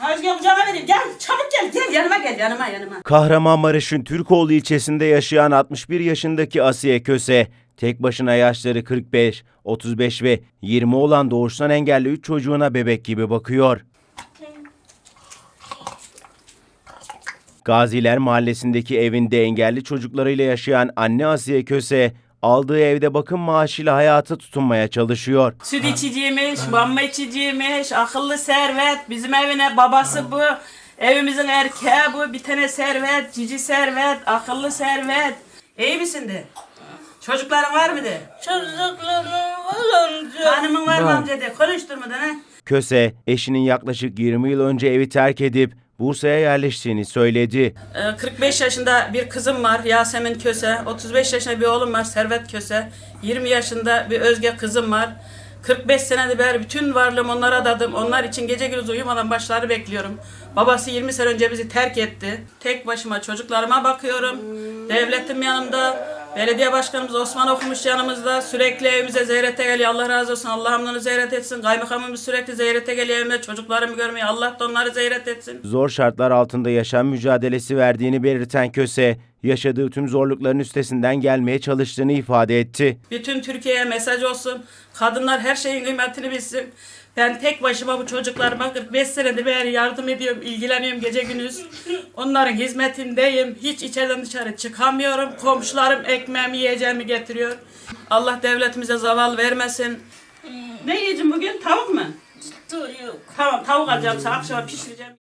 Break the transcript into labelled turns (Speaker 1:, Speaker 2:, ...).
Speaker 1: Özge kucağına vereyim. Gel çabuk gel yanıma gel yanıma.
Speaker 2: Kahramanmaraş'ın Türkoğlu ilçesinde yaşayan 61 yaşındaki Asiye Köse, tek başına yaşları 45, 35 ve 20 olan doğuştan engelli 3 çocuğuna bebek gibi bakıyor. Gaziler Mahallesi'ndeki evinde engelli çocuklarıyla yaşayan anne Asiye Köse, aldığı evde bakım maaşıyla hayata tutunmaya çalışıyor.
Speaker 1: Süt içiciymiş, mama içiciymiş, akıllı servet, bizim evine babası bu, evimizin erkeği bu, bir tane servet, cici servet, akıllı servet. İyi misin de? Çocukların var mı de?
Speaker 3: Çocuklarım var amca.
Speaker 1: Hanımın var mı amca de? Konuşturmadan ha?
Speaker 2: Köse, eşinin yaklaşık 20 yıl önce evi terk edip Bursa'ya yerleştiğini söyledi.
Speaker 1: 45 yaşında bir kızım var Yasemin Köse, 35 yaşında bir oğlum var Servet Köse, 20 yaşında bir Özge kızım var. 45 senedir beri bütün varlığımı onlara adadım. Onlar için gece gündüz uyumadan başları bekliyorum. Babası 20 sene önce bizi terk etti. Tek başıma çocuklarıma bakıyorum. Devletim yanımda. Belediye başkanımız Osman okumuş yanımızda. Sürekli evimize ziyarete geliyor. Allah razı olsun. Allah onları ziyaret etsin. Kaymakamımız sürekli ziyarete geliyor evime. Çocuklarımı görmeye. Allah da onları ziyaret etsin.
Speaker 2: Zor şartlar altında yaşam mücadelesi verdiğini belirten Köse, yaşadığı tüm zorlukların üstesinden gelmeye çalıştığını ifade etti.
Speaker 1: Bütün Türkiye'ye mesaj olsun. Kadınlar her şeyin kıymetini bilsin. Ben tek başıma bu çocuklarıma 45 senedir beri yardım ediyorum, ilgileniyorum gece gündüz. Onların hizmetindeyim. Hiç içeriden dışarı çıkamıyorum. Komşularım ekmeğimi, yiyeceğimi getiriyor. Allah devletimize zaval vermesin. Ne yiyeceğim bugün? Tavuk mu?
Speaker 3: Çocuk.
Speaker 1: Tamam, tavuk alacağım sana, akşama pişireceğim.